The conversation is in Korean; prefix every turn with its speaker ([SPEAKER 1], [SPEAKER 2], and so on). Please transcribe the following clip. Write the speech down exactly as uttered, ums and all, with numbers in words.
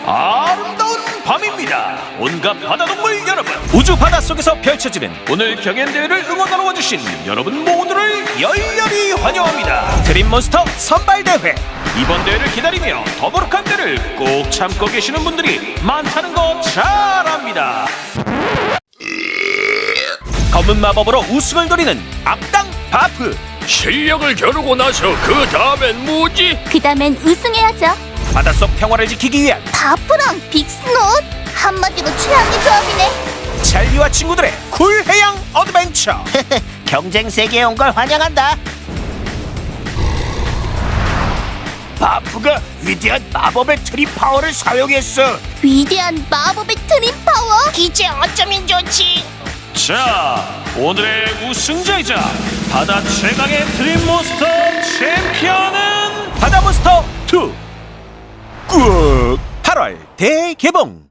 [SPEAKER 1] 아름다운 밤입니다. 온갖 바다동물 여러분, 우주 바닷속에서 펼쳐지는 오늘 경연대회를 응원하러 와주신 여러분 모두를 열렬히 환영합니다. 드림몬스터 선발대회, 이번 대회를 기다리며 더부룩한 대를 꼭 참고 계시는 분들이 많다는 거 잘 압니다. 검은 마법으로 우승을 노리는 악당 바프,
[SPEAKER 2] 실력을 겨루고 나서 그 다음엔 뭐지?
[SPEAKER 3] 그 다음엔 우승해야죠.
[SPEAKER 1] 바닷속 평화를 지키기 위한
[SPEAKER 3] 바프랑 빅스노트? 한마디로 최악의 조합이네.
[SPEAKER 1] 찰리와 친구들의 쿨 해양 어드벤처.
[SPEAKER 4] 경쟁 세계에 온 걸 환영한다. 바프가 위대한 마법의 트립 파워를 사용했어.
[SPEAKER 3] 위대한 마법의 트림 파워? 이제 어쩌면 좋지.
[SPEAKER 1] 자, 오늘의 우승자이자 바다 최강의 드림몬스터 챔피언은 바다몬스터 투. 꾹 팔월 대개봉.